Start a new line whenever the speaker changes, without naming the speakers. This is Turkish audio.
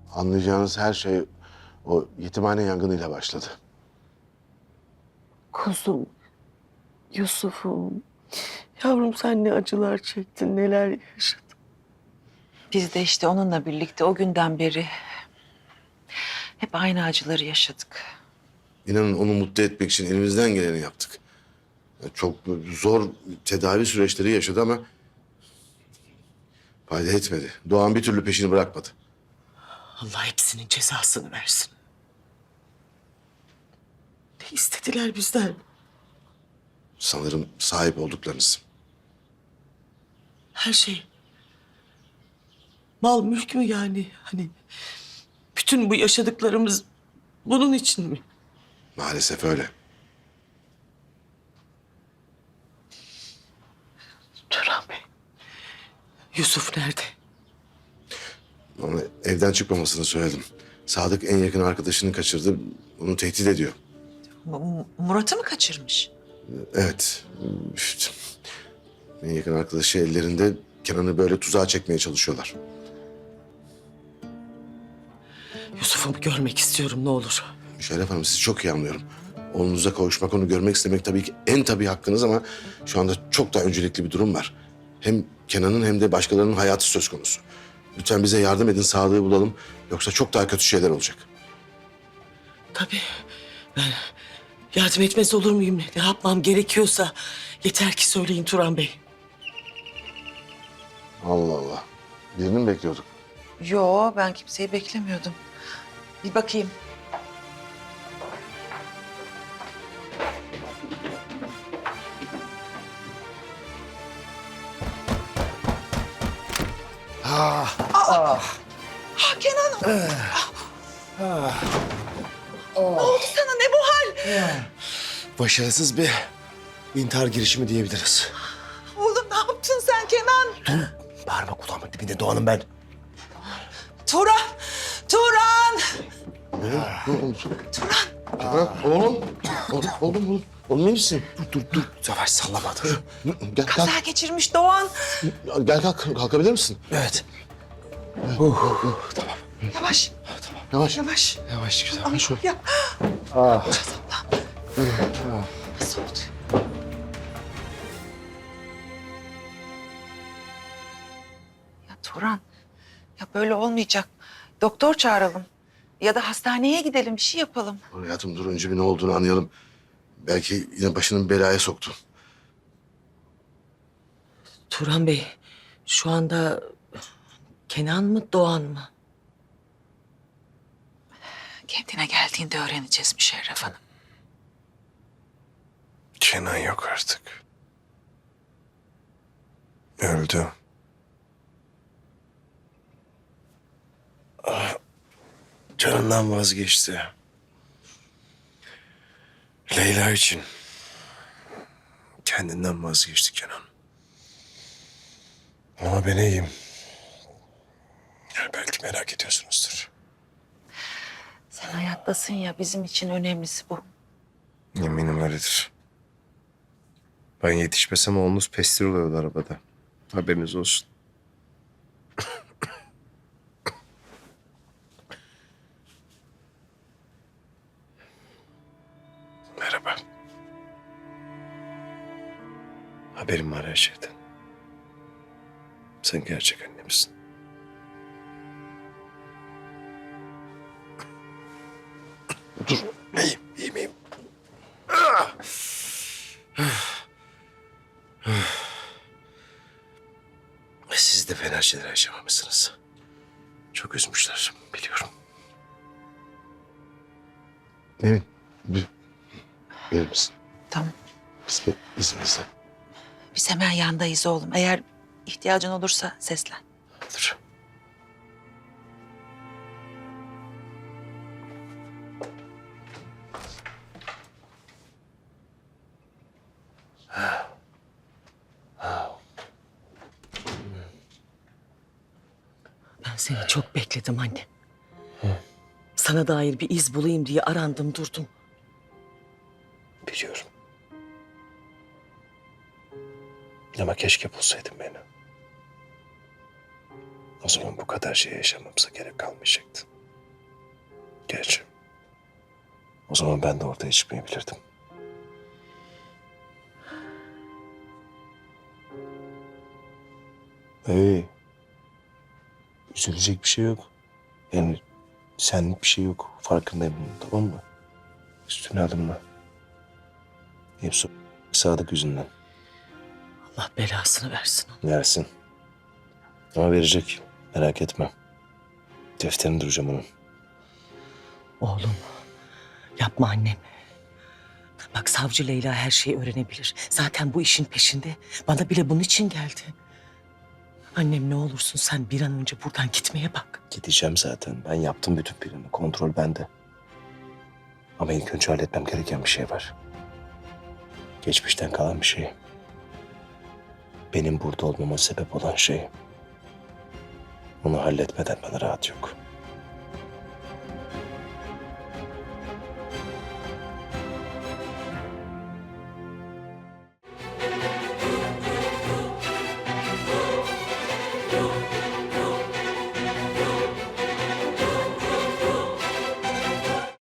Anlayacağınız her şey o yetimhane yangınıyla başladı.
Kuzum, Yusuf'um. Yavrum sen ne acılar çektin, neler yaşadın.
Biz de işte onunla birlikte o günden beri hep aynı acıları yaşadık.
İnanın onu mutlu etmek için elimizden geleni yaptık. Çok zor tedavi süreçleri yaşadı ama fayda etmedi. Doğan bir türlü peşini bırakmadı.
Allah hepsinin cezasını versin. Ne istediler bizden?
Sanırım sahip olduklarınız.
Her şey. Mal mülk mü yani? Hani bütün bu yaşadıklarımız bunun için mi?
Maalesef öyle.
Turan Bey. Yusuf nerede?
Ona evden çıkmamasını söyledim. Sadık en yakın arkadaşını kaçırdı. Onu tehdit ediyor.
Murat'ı mı kaçırmış?
Evet. İşte, en yakın arkadaşı ellerinde Kenan'ı böyle tuzağa çekmeye çalışıyorlar.
Yusuf'umu görmek istiyorum ne olur.
Şeref Hanım sizi çok iyi anlıyorum. Oğlunuza kavuşmak, onu görmek istemek tabii ki en tabii hakkınız ama şu anda çok daha öncelikli bir durum var. Hem Kenan'ın hem de başkalarının hayatı söz konusu. Lütfen bize yardım edin, Sadık'ı bulalım. Yoksa çok daha kötü şeyler olacak.
Tabii. Ben yardım etmez olur muyum? Ne yapmam gerekiyorsa yeter ki söyleyin Turan Bey.
Allah Allah. Birini mi bekliyorduk?
Yo, ben kimseyi beklemiyordum. Bir bakayım. Kenan. Ne oldu sana? Ne bu hal?
Başarısız bir intihar girişimi diyebiliriz.
Oğlum ne yaptın sen Kenan?
Bağırma kulağımın dibinde Doğan'ım ben.
Turan! Turan!
Oğlum. Oğlum. Oğlum iyi misin?
Dur. Savaş sallama dur.
Gel
Kaza geçirmiş Doğan.
Gel kalkabilir misin?
Evet.
Yavaş,
Yavaş.
yavaş.
Yavaş güzel.
Ama ya. Nasıl oldu? Ya Turan, ya böyle olmayacak. Doktor çağıralım. Ya da hastaneye gidelim, bir şey yapalım.
Hayatım dur önce bir ne olduğunu anlayalım. Belki yine başının belaya soktu.
Turan Bey şu anda Kenan mı Doğan mı?
Kendine geldiğinde öğreneceğiz Müşerref Hanım.
Kenan yok artık. Öldü. Canından vazgeçti. Leyla için. Kendinden vazgeçti Kenan. Ama ben iyiyim. Yani belki merak ediyorsunuzdur.
Sen hayattasın ya, bizim için önemlisi bu.
Eminim öyledir. Ben yetişmesem oğlunuz pestil oluyordu arabada. Haberiniz olsun. Merhaba. Haberim var her şeyden. Sen gerçek annemsin. Dur. İyiyim. Siz de fena şeyler yaşamamışsınız. Çok üzmüşler, biliyorum.
Nevin bir verir misin?
Tamam.
İzninizle.
Biz hemen yandayız oğlum. Eğer ihtiyacın olursa seslen.
Dur.
Ben seni çok bekledim anne. Sana dair bir iz bulayım diye arandım durdum.
Biliyorum. Ama keşke bulsaydın beni. O zaman bu kadar şey yaşamamıza gerek kalmayacaktı. Geç. O zaman ben de ortaya çıkmayabilirdim. Üzülecek bir şey yok. Yani senlik bir şey yok. Farkındayım bunun, tamam mı? Üstüne alınma. Hepsi Sadık yüzünden.
Allah belasını versin onu.
Versin. Ama verecek. Merak etme. Defterini duracağım onun.
Oğlum yapma annem. Bak savcı Leyla her şeyi öğrenebilir. Zaten bu işin peşinde. Bana bile bunun için geldi. Annem ne olursun sen bir an önce buradan gitmeye bak.
Gideceğim zaten. Ben yaptım bütün planı. Kontrol bende. Ama ilk önce halletmem gereken bir şey var. Geçmişten kalan bir şey. Benim burada olmama sebep olan şey. Onu halletmeden bana rahat yok.